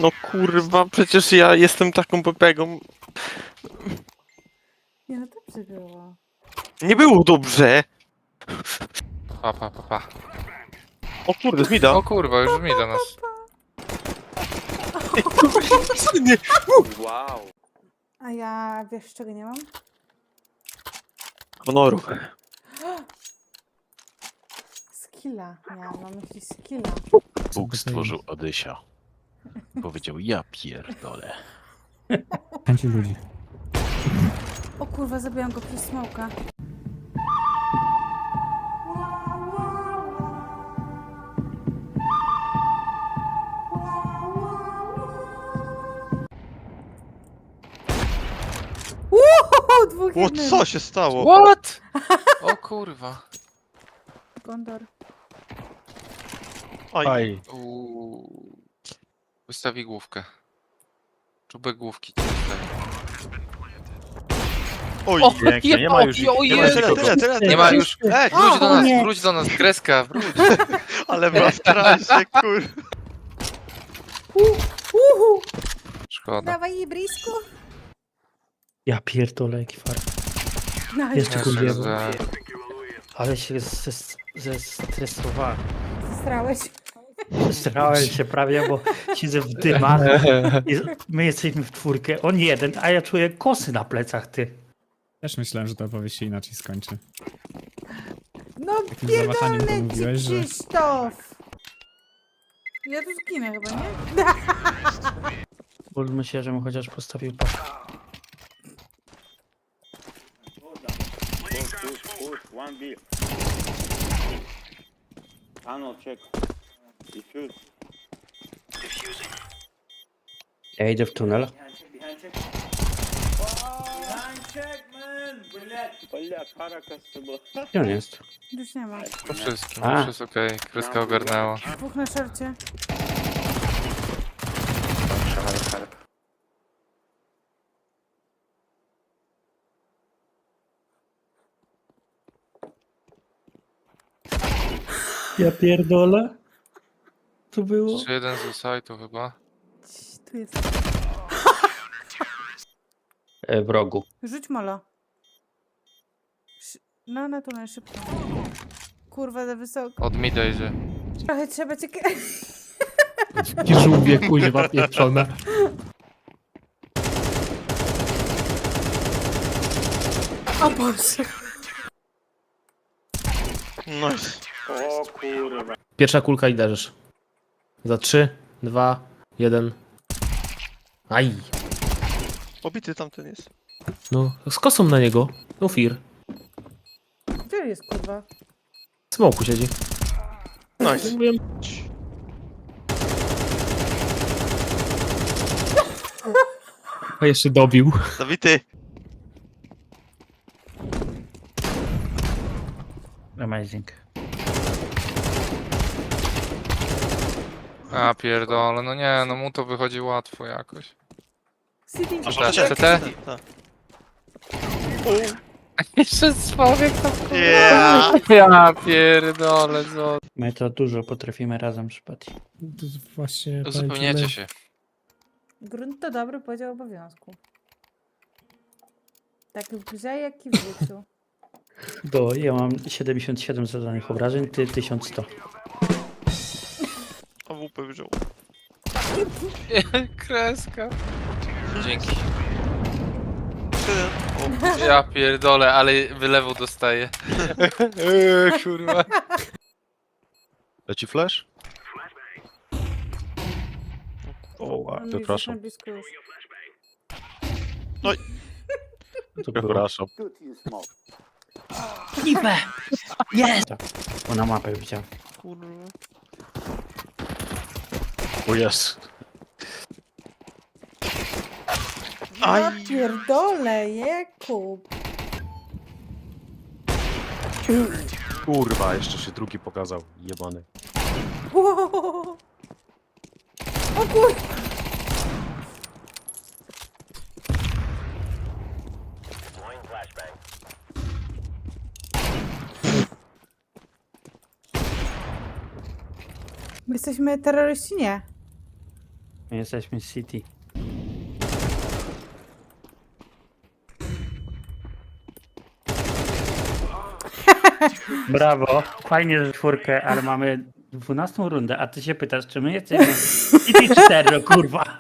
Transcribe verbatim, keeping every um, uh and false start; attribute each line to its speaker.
Speaker 1: No kurwa, przecież ja jestem taką pepegą.
Speaker 2: Nie, no dobrze było.
Speaker 1: Nie było dobrze!
Speaker 3: Pa, pa, pa, pa.
Speaker 1: O kurde, Zmida.
Speaker 3: O kurwa, już mi do nas.
Speaker 1: Nie.
Speaker 4: Wow.
Speaker 2: A ja wiesz czego nie mam?
Speaker 1: Honoru.
Speaker 2: Skilla. Miałam na myśli skilla.
Speaker 5: Bóg stworzył Odysia. Powiedział, ja pierdolę.
Speaker 6: Chęci ludzi.
Speaker 2: O kurwa, zabiłam go przez smoka. Uuu, dwóch
Speaker 1: O,
Speaker 2: jednym.
Speaker 1: co się stało?
Speaker 3: What? O kurwa.
Speaker 2: Gondor.
Speaker 1: Aj.
Speaker 5: Aj.
Speaker 3: Uuu. Wystawi główkę. Czubek główki ci wystawi.
Speaker 1: Oj.
Speaker 3: O,
Speaker 5: Pięknie, nie ma już ich,
Speaker 3: o
Speaker 5: nie ma
Speaker 3: Jezu.
Speaker 1: Tyle,
Speaker 5: nikogo.
Speaker 1: tyle, tyle, tyle.
Speaker 3: Nie ma już.
Speaker 1: Ej,
Speaker 3: Wróć do
Speaker 2: O,
Speaker 3: nas,
Speaker 2: nie.
Speaker 3: wróć do nas, kreska, wróć.
Speaker 1: ale was trasie, kur...
Speaker 2: Uhu.
Speaker 3: Szkoda.
Speaker 2: Dawaj, brisku.
Speaker 6: Ja pierdolę, jaki far.
Speaker 2: Nice.
Speaker 6: Jeszcze
Speaker 3: Jeszcze
Speaker 6: kurwa.
Speaker 3: za-
Speaker 6: Ale się zes- zestresowałem.
Speaker 2: Zestrałeś.
Speaker 6: Zestrałem się prawie, bo siedzę w dymach. I my jesteśmy w czwórkę, on jeden, a ja czuję kosy na plecach, ty.
Speaker 7: Też myślałem, że ta opowieść się inaczej skończy.
Speaker 2: No
Speaker 7: Takim zawahaniem to
Speaker 2: pierdolę ci,
Speaker 7: mówiłeś, że...
Speaker 2: Krzysztof. Ja tu zginę chyba, nie?
Speaker 6: Módlmy się, żebym chociaż postawił pas.
Speaker 4: Push, push, push. One B. Tunnel check. Defuse.
Speaker 6: Ja idę w tunel.
Speaker 4: Бля, карака с тобой.
Speaker 6: Gdzie on jest?
Speaker 2: Już nie ma.
Speaker 3: Po wszystkim,
Speaker 6: A.
Speaker 3: już jest okej. Kreska ogarnęła.
Speaker 2: Dwóch na szorcie.
Speaker 6: Ja pierdolę. To było?
Speaker 3: Jeszcze jeden z sajtu chyba.
Speaker 2: Cii, tu jest.
Speaker 6: E, w rogu.
Speaker 2: Rzuć molo. Szy- No, na tunel szybko. Kurwa, za wysoko.
Speaker 3: Od mida idzie.
Speaker 2: Trochę trzeba cię...
Speaker 8: Takie żółwie, kuźwa pieprzone.
Speaker 2: O Boże.
Speaker 1: Nice.
Speaker 4: O kurwa.
Speaker 8: Pierwsza kulka i leżysz. Za trzy, dwa, jeden. Aj.
Speaker 1: Obity tamten jest.
Speaker 8: No, z kosą na niego. No fir.
Speaker 2: Gdzie jest kurwa?
Speaker 8: W smoku siedzi.
Speaker 1: Nice.
Speaker 8: Mówiłem. A jeszcze dobił.
Speaker 1: Zabity.
Speaker 6: Amazing.
Speaker 3: A pierdolę, no nie, no mu to wychodzi łatwo jakoś.
Speaker 2: City.
Speaker 1: A
Speaker 3: C T?
Speaker 1: szorcie?
Speaker 3: C T?
Speaker 1: Tak.
Speaker 3: Jeszcze człowiek tam
Speaker 1: Yeah.
Speaker 3: Ja pierdolę, co?
Speaker 6: My to dużo potrafimy razem szpać.
Speaker 7: To jest właśnie...
Speaker 3: Uzupełniacie się.
Speaker 2: Grunt to dobry podział obowiązku. Tak w grze, jak i w życiu.
Speaker 6: Bo ja mam siedemdziesiąt siedem zadanych obrażeń, ty tysiąc sto.
Speaker 1: A W P wziął.
Speaker 3: Kreska. Dzięki.
Speaker 1: Tyle. O,
Speaker 3: Ja pierdolę, ale wylewu dostaję. Eee, kurwa.
Speaker 5: Leci flash?
Speaker 1: o,
Speaker 2: On
Speaker 5: przepraszam.
Speaker 2: jest blisko już.
Speaker 6: To było.
Speaker 5: Przepraszam.
Speaker 4: Тут you smoke.
Speaker 6: Jest! Bo na mapę widziałem.
Speaker 1: kurwa.
Speaker 5: O jest.
Speaker 2: Ja pierdolę, Jakub.
Speaker 5: Kurwa, jeszcze się drugi pokazał. Jebany.
Speaker 2: Wow. O kur... My jesteśmy terroryści? Nie.
Speaker 6: My jesteśmy City. Brawo, fajnie, że czwórkę, ale mamy dwunastą rundę, a ty się pytasz, czy my jesteśmy City cztery, kurwa.